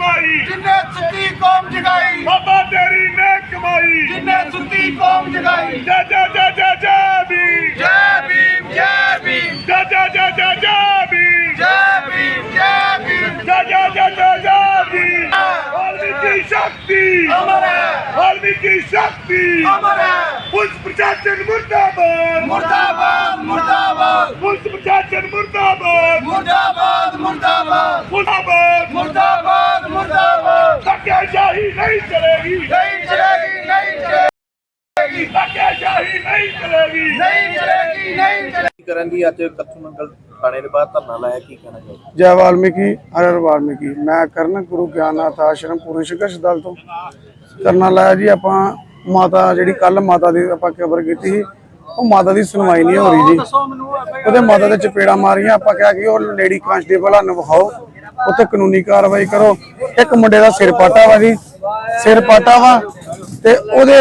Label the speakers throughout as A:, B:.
A: कमाई
B: जिन्ने सुती कौम जगाई
A: बाबा तेरी ने कमाई
B: जिन्ने सुती कौम जगाई
A: जय जय जय जय जय भीम
B: जय भीम जय भीम
A: जय जय जय जय जय भीम
B: जय भीम जय भीम
A: जय जय जय जय जय भीम वाल्मीकि शक्ति
B: अमर है
A: वाल्मीकि शक्ति
B: अमर है
A: पुलिस प्रशासन मुर्दाबाद
B: मुर्दाबाद मुर्दाबाद
A: पुलिस प्रशासन मुर्दाबाद
B: मुर्दाबाद मुर्दाबाद
A: मुर्दाबाद
B: मुर्दाबाद मुर्दाबाद
A: धक्केशाही नहीं चलेगी
B: नहीं चलेगी नहीं चलेगी
A: धक्केशाही नहीं चलेगी
B: नहीं चलेगी नहीं चलेगी
C: ਕਰਨ ਦੀ ਅੱਜ ਕੱਥੂ ਮੰਗਲ ਥਾਣੇ ਦੇ ਬਾਹਰ ਧਰਨਾ ਲਾਇਆ, ਕੀ ਕਹਿਣਾ ਚਾਹੋਗੇ?
D: जय वाल्मीकि हर हर वाल्मीकि। मैं करण गुरु ज्ञाननाथ आश्रम पूरी संघर्ष दल तो धरना लाया जी। ਆਪਾਂ ਮਾਤਾ ਜਿਹੜੀ ਕੱਲ ਮਾਤਾ ਦੀ ਆਪਾਂ ਖਬਰ ਕੀਤੀ ਸੀ, ਉਹ ਮਾਤਾ ਦੀ ਸੁਣਵਾਈ ਨਹੀਂ ਹੋ ਰਹੀ ਜੀ। ਉਹਦੇ ਮਾਤਾ ਦੇ ਚਪੇੜਾ ਮਾਰੀਆਂ। ਆਪਾਂ ਕਿਹਾ ਕਿ ਉਹ ਲੇਡੀ ਕਾਂਸਟੇਬਲ ਨੂੰ ਵਿਖਾਓ, ਉੱਥੇ ਕਾਨੂੰਨੀ ਕਾਰਵਾਈ ਕਰੋ। ਇੱਕ ਮੁੰਡੇ ਦਾ ਸਿਰ ਪਾਟਾ ਵਾ ਜੀ, ਸਿਰ ਪਾਟਾ ਵਾ ਤੇ ਉਹਦੇ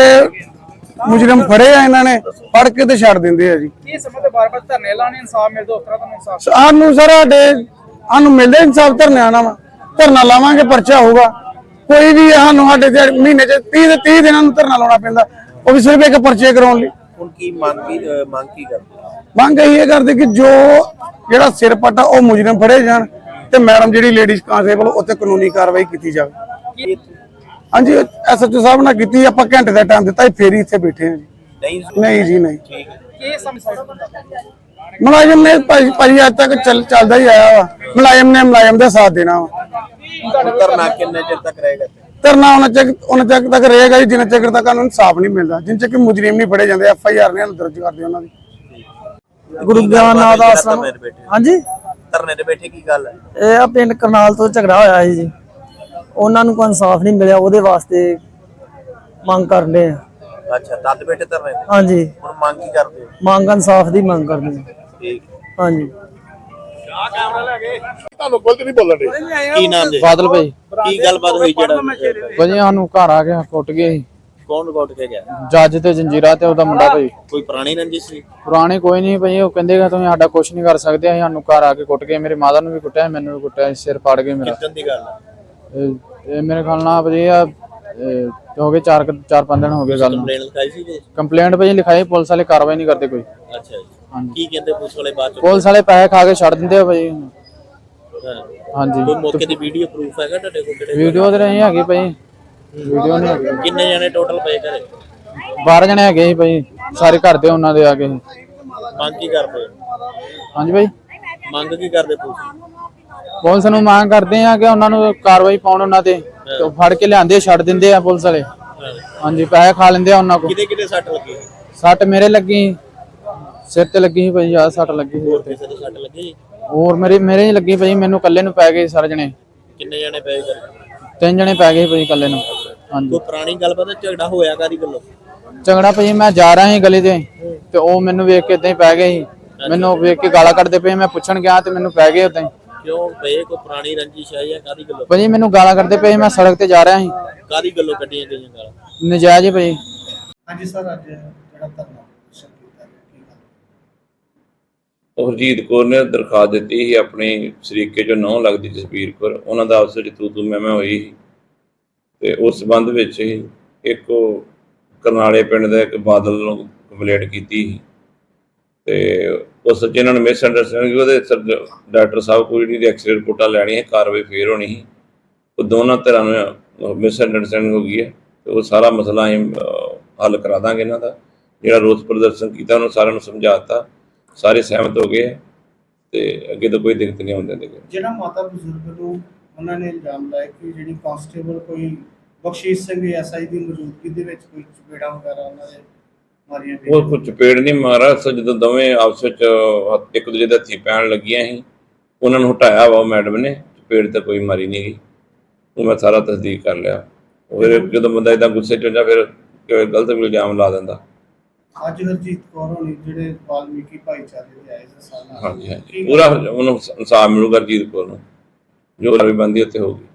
D: ਮੁਜਰਮ ਫੜੇ ਆ, ਇਹਨਾਂ ਨੇ ਫੜ ਕੇ ਤੇ ਛੱਡ ਦਿੰਦੇ ਆ ਜੀ।
E: ਕੀ ਸਮੇਂ ਤੇ ਬਾਰ-ਬਾਰ ਧਰਨੇ ਲਾਣੇ ਇਨਸਾਫ ਮਿਲਦਾ, ਉਸ ਤਰ੍ਹਾਂ ਤੁਹਾਨੂੰ ਇਨਸਾਫ
D: ਸਾਨੂੰ ਸਾਨੂੰ ਮਿਲਦੇ ਇਨਸਾਫ ਧਰਨੇ ਆਣਾ ਵਾ, ਧਰਨਾ ਲਾਵਾਂਗੇ, ਪਰਚਾ ਹੋਊਗਾ। ਕੋਈ ਵੀ ਸਾਨੂੰ ਸਾਡੇ ਮਹੀਨੇ ਚ 30 ਦਿਨਾਂ ਨੂੰ ਧਰਨਾ ਲਾਉਣਾ ਪੈਂਦਾ, ਉਹ ਵੀ ਸਿਰਫ ਇੱਕ ਪਰਚੇ ਕਰਾਉਣ ਲਈ।
C: ਹੁਣ ਕੀ ਮੰਗ ਕੀ ਕਰਦੇ?
D: ਮੰਗ ਇਹ ਕਰਦੇ ਕਿ ਜੋ ਜਿਹੜਾ ਸਿਰ ਪੱਟਾ ਉਹ ਮੁਜਰਮ ਫੜੇ ਜਾਣ ਤੇ ਮੈਡਮ ਜਿਹੜੀ ਲੇਡੀਜ਼ ਕਾਂਸਟੇਬਲ ਉੱਤੇ ਕਾਨੂੰਨੀ ਕਾਰਵਾਈ ਕੀਤੀ ਜਾਵੇ। ਹਾਂਜੀ, ਐਸਐਚਓ ਸਾਹਿਬ ਨਾਲ ਕੀਤੀ। ਆਪਾਂ ਘੰਟੇ ਦਾ ਟਾਈਮ ਦਿੱਤਾ, ਫੇਰ ਹੀ ਇੱਥੇ ਬੈਠੇ ਹਾਂ ਜੀ। ਨਹੀਂ ਜੀ ਨਹੀਂ।
E: ਕੀ ਸਮਝਾਇਆ
D: ਮੁਲਾਜ਼ਮ ਨੇ ਭਾਜੀ ਅੱਜ ਤੱਕ ਚੱਲਦਾ ਹੀ ਆਇਆ ਵਾ। ਮੁਲਾਜ਼ਮ ਨੇ ਮੁਲਾਜ਼ਮ ਦਾ ਸਾਥ ਦੇਣਾ ਵਾ।
C: ਧਰਨਾ ਕਿੰਨੇ ਚਿਰ ਤੱਕ ਰਹੇਗਾ?
D: ਧਰਨਾ ਉਹਨਾਂ ਚੱਕ ਤੱਕ ਰਹੇਗਾ ਜੀ, ਜਿੰਨਾ ਚਿਰ ਤੱਕ ਉਹਨੂੰ ਇਨਸਾਫ ਨਹੀਂ ਮਿਲਦਾ, ਜਿੰਨ ਚਿਰ ਮੁਜਰਮ ਨਹੀਂ ਫੜੇ ਜਾਂਦੇ। FIR ਨੇ ਦਰਜ ਕਰਦੇ ਉਹਨਾਂ ਦੀ।
F: ਗੁਰੂ ਗਿਆਨਨਾਥ ਆਸ਼ਰਮ। ਹਾਂਜੀ,
C: ਧਰਨੇ ਤੇ ਬੈਠੇ ਕੀ ਗੱਲ ਹੈ?
F: ਇਹ ਆ ਪਿੰਡ ਕਰਨਾਲ ਤੋਂ ਝਗੜਾ ਹੋਇਆ ਸੀ ਜੀ, ਉਹਨਾਂ ਨੂੰ ਕੋਈ ਇਨਸਾਫ ਨਹੀਂ ਮਿਲਿਆ, ਉਹਦੇ ਵਾਸਤੇ ਮੰਗ ਕਰਨੇ ਆ।
C: ਅੱਛਾ, ਤਦ ਬੈਠੇ ਧਰਨੇ ਤੇ?
F: ਹਾਂਜੀ,
C: ਹੁਣ ਮੰਗ ਕੀ ਕਰਦੇ ਹੋ?
F: ਮੰਗ ਇਨਸਾਫ ਦੀ ਮੰਗ ਕਰਦੇ ਆ।
C: ਠੀਕ,
F: ਹਾਂਜੀ।
A: ਤੁਹਾਨੂੰ ਗਲਤ ਨਹੀਂ ਬੋਲਣ ਦੇ।
C: ਕੀ ਨਾਮ ਦੇ?
G: ਬਾਦਲ ਭਾਈ।
C: ਕੀ ਗੱਲਬਾਤ ਹੋਈ ਜਿਹੜਾ
G: ਭਾਜੀ ਸਾਨੂੰ ਘਰ ਆ ਕੇ ਕੁੱਟ ਗਏ ਸੀ,
C: ਕੌਣ ਕੁੱਟ ਕੇ ਗਿਆ?
G: ਜੱਜ ਤੇ ਜੰਜੀਰਾ ਤੇ ਉਹਦਾ ਮੁੰਡਾ ਭਾਈ।
C: ਕੋਈ ਪੁਰਾਣੀ ਰੰਜਿਸ਼ ਸੀ?
G: ਪੁਰਾਣੇ ਕੋਈ ਨਹੀਂ ਭਾਈ, ਉਹ ਕਹਿੰਦੇ ਕਿ ਤੁਸੀਂ ਸਾਡਾ ਕੁਝ ਨਹੀਂ ਕਰ ਸਕਦੇ। ਅਸੀਂ ਸਾਨੂੰ ਘਰ ਆ ਕੇ ਕੁੱਟ ਗਏ, ਮੇਰੀ ਮਾਤਾ ਨੂੰ ਵੀ ਕੁੱਟਿਆ, ਮੈਨੂੰ ਵੀ ਕੁੱਟਿਆ, ਸਿਰ ਪਾੜ ਗਏ ਮੇਰਾ।
C: ਕਿੱਦਾਂ ਦੀ ਗੱਲ ਹੈ?
G: ਇਹ ਮੇਰੇ ਖਿਆਲ ਨਾਲ ਭਾਜੀ ਆ ਹੋ ਗਏ 4-5 ਦਿਨ ਹੋ ਗਏ ਗੱਲ ਨੂੰ।
C: ਕੰਪਲੇਂਟ ਲਿਖਾਈ ਸੀ ਜੀ?
G: ਕੰਪਲੇਂਟ ਭਾਜੀ ਲਿਖਾਈ, ਪੁਲਿਸ ਵਾਲੇ ਕਾਰਵਾਈ ਨਹੀਂ ਕਰਦੇ ਕੋਈ।
C: ਅੱਛਾ ਜੀ, ਕੀ ਕਹਿੰਦੇ ਪੁਲਿਸ ਵਾਲੇ ਬਾਅਦ ਚ?
G: ਪੁਲਿਸ ਵਾਲੇ ਪੈਸੇ ਖਾ ਕੇ ਛੱਡ ਦਿੰਦੇ ਆ ਭਾਜੀ। ਹਾਂਜੀ,
C: ਕੋਈ ਮੌਕੇ ਦੀ ਵੀਡੀਓ ਪ੍ਰੂਫ ਹੈਗਾ ਤੁਹਾਡੇ ਕੋਲ? ਕਿਹੜੇ
G: ਵੀਡੀਓ ਤੇ ਨਹੀਂ ਹੈਗੀ ਭਾਈ, ਵੀਡੀਓ ਨਹੀਂ ਹੈਗੀ।
C: ਕਿੰਨੇ ਜਣੇ ਟੋਟਲ ਪਏ ਘਰੇ?
G: 12 ਜਣੇ ਹੈਗੇ ਸੀ ਭਾਈ, ਸਾਰੇ ਘਰ ਦੇ ਉਹਨਾਂ ਦੇ ਆ ਗਏ।
C: ਮੰਗ ਕੀ ਕਰਦੇ?
G: ਹਾਂਜੀ ਭਾਈ,
C: ਮੰਗ ਕੀ ਕਰਦੇ
G: ਪੁਲਿਸ ਨੂੰ ਮੰਗ ਕਰਦੇ ਆ ਕਿ ਉਹਨਾਂ ਨੂੰ ਕਾਰਵਾਈ ਪਾਉਣ, ਉਹਨਾਂ ਤੇ ਫੜ ਕੇ ਲਿਆਂਦੇ ਛੱਡ ਦਿੰਦੇ ਆ ਪੁਲਿਸ ਵਾਲੇ। ਹਾਂਜੀ, ਪੈਸੇ ਖਾ ਲੈਂਦੇ ਆ ਉਹਨਾਂ ਕੋਲ।
C: ਕਿਹਦੇ ਸੱਟ ਲੱਗੀ?
G: ਸੱਟ ਮੇਰੇ ਲੱਗੀ, ਸਿਰ ਤੇ ਲੱਗੀ ਸੀ ਭਾਈ, ਆ ਸੱਟ ਲੱਗੀ ਸੀ।
C: ਕਿਸੇ ਦੇ ਸੱਟ ਲੱਗੀ?
G: ਹੋਰ ਮੇਰੇ ਹੀ ਲੱਗੀ ਭਾਈ, ਮੈਨੂੰ ਇਕੱਲੇ ਨੂੰ ਪੈ ਗਏ ਸਾਰੇ ਜਣੇ।
C: ਕਿੰਨੇ ਜਣੇ ਪਏ ਘਰੇ?
G: 3 ਜਣੇ ਪੈ ਗਏ ਭਾਈ ਇਕੱਲੇ ਨੂੰ। ਹਾਂਜੀ,
C: ਕੋਈ ਪੁਰਾਣੀ ਗੱਲਬਾਤ? ਝਗੜਾ ਹੋਇਆ ਕਾਦੀ ਗੱਲੋਂ?
G: ਝਗੜਾ ਭਾਈ ਮੈਂ ਜਾ ਰਿਹਾ ਸੀ ਗਲੀ ਤੇ ਉਹ ਮੈਨੂੰ ਵੇਖ ਕੇ ਏਦਾਂ ਹੀ ਪੈ ਗਏ ਸੀ। ਮੈਨੂੰ ਵੇਖ ਕੇ ਗਾਲਾਂ ਕੱਢਦੇ ਪਏ, ਮੈਂ ਪੁੱਛਣ ਗਿਆ ਤੇ ਮੈਨੂੰ ਪੈ ਗਏ ਏਦਾਂ ਹੀ।
C: ਕਿਉਂ ਪਏ? ਕੋਈ ਪੁਰਾਣੀ ਰੰਜਿਸ਼ ਹੈ ਜਾਂ ਕਾਦੀ ਗੱਲੋਂ?
G: ਭਾਈ ਮੈਨੂੰ ਗਾਲਾਂ ਕੱਢਦੇ ਪਏ, ਮੈਂ ਸੜਕ ਤੇ ਜਾ ਰਿਹਾ ਸੀ।
C: ਕਾਦੀ ਗੱਲੋਂ ਕੱਢੀਆਂ ਗਈਆਂ ਗਾਲਾਂ?
G: ਨਜਾਇਜ਼ ਭਾਈ।
D: ਹਾਂਜੀ ਸਰ, ਅੱਜ ਜਿਹੜਾ ਧਰਨਾ
H: ਹਰਜੀਤ ਕੌਰ ਨੇ ਦਰਖਾਸਤ ਦਿੱਤੀ ਸੀ ਆਪਣੀ ਸ਼ਰੀਕੇ ਚੋਂ ਨਹੁੰ ਲੱਗਦੀ ਜਸਬੀਰ ਕੌਰ, ਉਹਨਾਂ ਦਾ ਆਪਸ ਵਿੱਚ ਤੂੰ ਮੈਂ ਹੋਈ ਸੀ ਤੇ ਉਸ ਸੰਬੰਧ ਵਿੱਚ ਹੀ ਇੱਕ ਕਰਨਾਲੇ ਪਿੰਡ ਦਾ ਇੱਕ ਬਾਦਲ ਨੂੰ ਕੰਪਲੇਂਟ ਕੀਤੀ ਸੀ ਤੇ ਉਸ ਜਿਹਨਾਂ ਨੇ ਮਿਸ ਅੰਡਰਸਟੈਂਡਿੰਗ ਉਹਦੇ ਡਾਕਟਰ ਸਾਹਿਬ ਕੋਈ ਜਿਹੜੀ ਐਕਸੀਡੈਂਟ ਰਿਪੋਰਟਾਂ ਲੈਣੀਆਂ, ਕਾਰਵਾਈ ਫੇਰ ਹੋਣੀ ਸੀ। ਉਹ ਦੋਨਾਂ ਧਿਰਾਂ ਨੂੰ ਮਿਸ ਅੰਡਰਸਟੈਂਡਿੰਗ ਹੋ ਗਈ ਹੈ ਤੇ ਉਹ ਸਾਰਾ ਮਸਲਾ ਅਸੀਂ ਹੱਲ ਕਰਾ ਦਾਂਗੇ। ਇਹਨਾਂ ਦਾ ਜਿਹੜਾ ਰੋਸ ਪ੍ਰਦਰਸ਼ਨ ਕੀਤਾ ਉਹਨੂੰ ਸਾਰਿਆਂ ਨੂੰ ਸਮਝਾ ਦਿੱਤਾ, ਸਾਰੇ ਸਹਿਮਤ ਹੋ ਗਏ ਤੇ ਅੱਗੇ ਤੋਂ ਕੋਈ ਦਿੱਕਤ ਨਹੀਂ ਆਉਂਦੀ।
D: ਜਿਹੜਾ ਮਾਤਾ ਬਜ਼ੁਰਗ ਨੂੰ ਉਹਨਾਂ ਨੇ ਇਲਜ਼ਾਮ ਲਾਇਆ ਕਿ ਜਿਹੜੀ ਕਾਂਸਟੇਬਲ ਕੋਈ ਬਖਸ਼ੀਸ਼ ਸਿੰਘ SI ਦੀ ਮੌਜੂਦਗੀ ਦੇ ਵਿੱਚ ਕੋਈ ਚਪੇੜਾ ਵਗੈਰਾ ਉਹਨਾਂ ਦੇ ਮਾਰੀਆਂ ਗਈਆਂ।
H: ਉਹ ਕੋਈ ਚਪੇੜ ਨਹੀਂ ਮਾਰਾ, ਜਦੋਂ ਦੋਵੇਂ ਆਪਸ ਵਿੱਚ ਇੱਕ ਦੂਜੇ ਦੇ ਹੱਥੀਂ ਪੈਣ ਲੱਗੀਆਂ ਸੀ, ਉਹਨਾਂ ਨੂੰ ਹਟਾਇਆ ਵਾ ਮੈਡਮ ਨੇ। ਚਪੇੜ ਤਾਂ ਕੋਈ ਮਾਰੀ ਨਹੀਂ ਗਈ, ਉਹ ਮੈਂ ਸਾਰਾ ਤਸਦੀਕ ਕਰ ਲਿਆ। ਫਿਰ ਜਦੋਂ ਬੰਦਾ ਏਦਾਂ ਗੁੱਸੇ 'ਚ ਹੁੰਦਾ ਫਿਰ ਗਲਤ ਇਲਜ਼ਾਮ ਲਾ ਦਿੰਦਾ।
D: ਅੱਜ ਹਰਜੀਤ ਕੌਰ ਹੋਣੀ ਜਿਹੜੇ ਵਾਲਮੀਕੀ ਭਾਈਚਾਰੇ ਦੇ ਆਏ ਸੀ ਸਾਨਾ,
H: ਹਾਂਜੀ ਪੂਰਾ ਉਹਨੂੰ ਇਨਸਾਫ ਮਿਲੂਗਾ ਹਰਜੀਤ ਕੌਰ ਨੂੰ, ਜੋ ਵੀ ਬੰਦੀ ਉੱਤੇ ਹੋਊਗੀ।